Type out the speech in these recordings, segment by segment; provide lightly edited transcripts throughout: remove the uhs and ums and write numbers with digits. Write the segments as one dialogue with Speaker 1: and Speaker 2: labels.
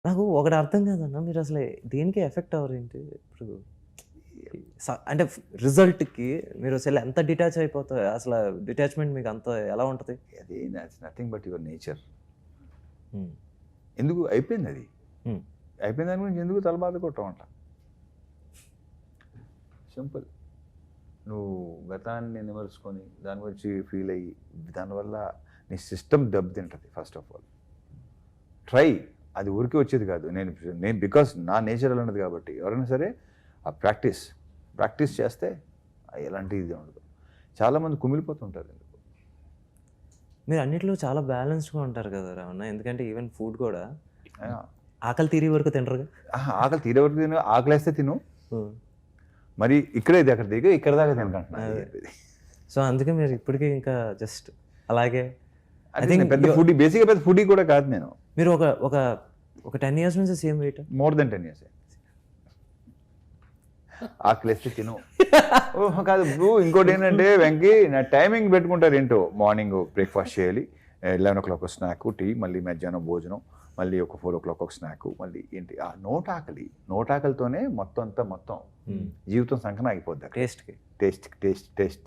Speaker 1: నాకు ఒకటి అర్థం కాదన్న, మీరు అసలు దేనికి ఎఫెక్ట్ అవ్వరేంటి? ఇప్పుడు అంటే రిజల్ట్‌కి మీరు అసలు ఎంత డిటాచ్ అయిపోతారు? అసలు డిటాచ్‌మెంట్ మీకు అంత ఎలా ఉంటది?
Speaker 2: అది నథింగ్ బట్ యువర్ నేచర్.
Speaker 1: హ్మ్.
Speaker 2: ఎందుకు అయిపోయింది అది.
Speaker 1: హ్మ్.
Speaker 2: అయిపోయిన దాని గురించి ఎందుకు తల బాధ కొట్టమంట. సింపుల్. నువ్వు గతాన్ని నిమరుచుకొని దాని గురించి ఫీల్ అయ్యి దానివల్ల నీ సిస్టమ్ దెబ్బతింటుంది. ఫస్ట్ ఆఫ్ ఆల్ ట్రై, అది ఊరికే వచ్చేది కాదు. నేను బికాస్ నా నేచర్ అలా ఉన్నది కాబట్టి ఎవరైనా సరే ఆ ప్రాక్టీస్ చేస్తే ఎలాంటి ఇది ఉండదు. చాలామంది కుమిలిపోతుంటారు ఎందుకు.
Speaker 1: మీరు అన్నిట్లో చాలా బ్యాలెన్స్డ్‌గా ఉంటారు కదా రమణ. ఎందుకంటే ఈవెన్ ఫుడ్ కూడా ఆకలి తీరే వరకు తినరుగా?
Speaker 2: ఆకలి తీరే వరకు తిను, ఆకలేస్తే తిను, మరి ఇక్కడే ఇది అక్కడ దిగి ఇక్కడ దాకా తినకంటున్నా.
Speaker 1: సో అందుకే మీరు ఇప్పటికీ ఇంకా జస్ట్ అలాగే.
Speaker 2: పెద్ద ఫుడీ, బేసిక్గా పెద్ద ఫుడీ కూడా కాదు నేను.
Speaker 1: మీరు ఒక 10 ఇయర్స్ నుంచి same weight?
Speaker 2: More than 10 years. ఆకలిస్తే తిను. ఓహో కాదు బ్రూ, ఇంకోటి ఏంటంటే వెంకీ నా టైమింగ్ పెట్టుకుంటారు ఏంటో. మార్నింగ్ బ్రేక్ఫాస్ట్ చేయాలి, 11 o'clock స్నాక్, టీ, మళ్ళీ మధ్యాహ్నం భోజనం, మళ్ళీ ఒక 4 o'clock ఒక స్నాక్, మళ్ళీ ఏంటి ఆ నోటాకలితోనే మొత్తం జీవితం సంకన అయిపోద్ది. టేస్ట్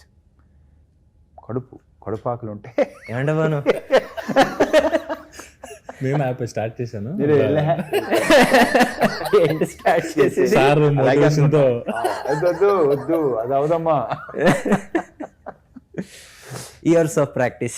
Speaker 2: కడుపాకలు ఉంటే
Speaker 1: ఏమండవాను
Speaker 3: నేను యాప్ స్టార్ట్ చేశాను.
Speaker 2: వద్దు అది అవదమ్మా.
Speaker 1: Years of practice.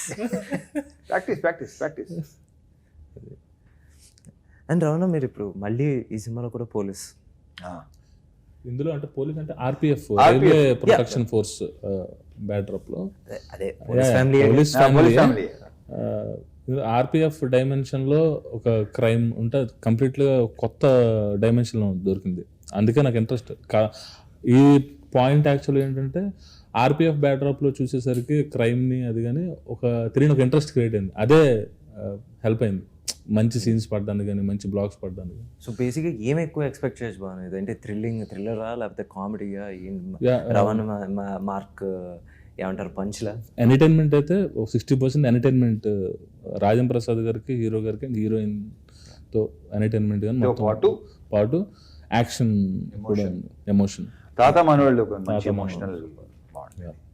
Speaker 1: And Ramana, మీరు ఇప్పుడు మళ్ళీ ఈ సినిమాలో కూడా పోలీస్.
Speaker 3: ఇందులో అంటే పోలీస్ అంటే RPF, railway protection force backdrop లో
Speaker 1: అదే
Speaker 3: పోలీస్ ఫ్యామిలీ. ఆర్పిఎఫ్ డైమెన్షన్ లో ఒక క్రైమ్ ఉంటే కంప్లీట్గా కొత్త డైమెన్షన్ లో దొరికింది. అందుకే నాకు ఇంట్రెస్ట్. ఈ పాయింట్ యాక్చువల్గా ఏంటంటే ఆర్పిఎఫ్ బ్యాక్డ్రాప్ లో చూసేసరికి క్రైమ్ ని అది కానీ ఒక తెలియని ఒక ఇంట్రెస్ట్ క్రియేట్ అయింది. అదే హెల్ప్ అయింది మంచి సీన్స్ పడడానికి కానీ మంచి బ్లాగ్స్ పడడానికి.
Speaker 1: సో బేసిక్గా ఏం ఎక్కువ ఎక్స్పెక్ట్ చేయొచ్చు బాగుంది అంటే థ్రిల్లరా లేకపోతే కామెడీగా? రవణ మార్క్ ఏమంటారు, పంచ్లా?
Speaker 3: ఎంటర్టైన్మెంట్ అయితే 60% ఎంటర్టైన్మెంట్. రాజం ప్రసాద్ గారికి, హీరో గారికి అండ్ హీరోయిన్ తో ఎంటర్టైన్మెంట్ కానీ పాటు యాక్షన్ కూడా, ఎమోషన్.
Speaker 2: తాత మనోళ్ళు ఎమోషనల్.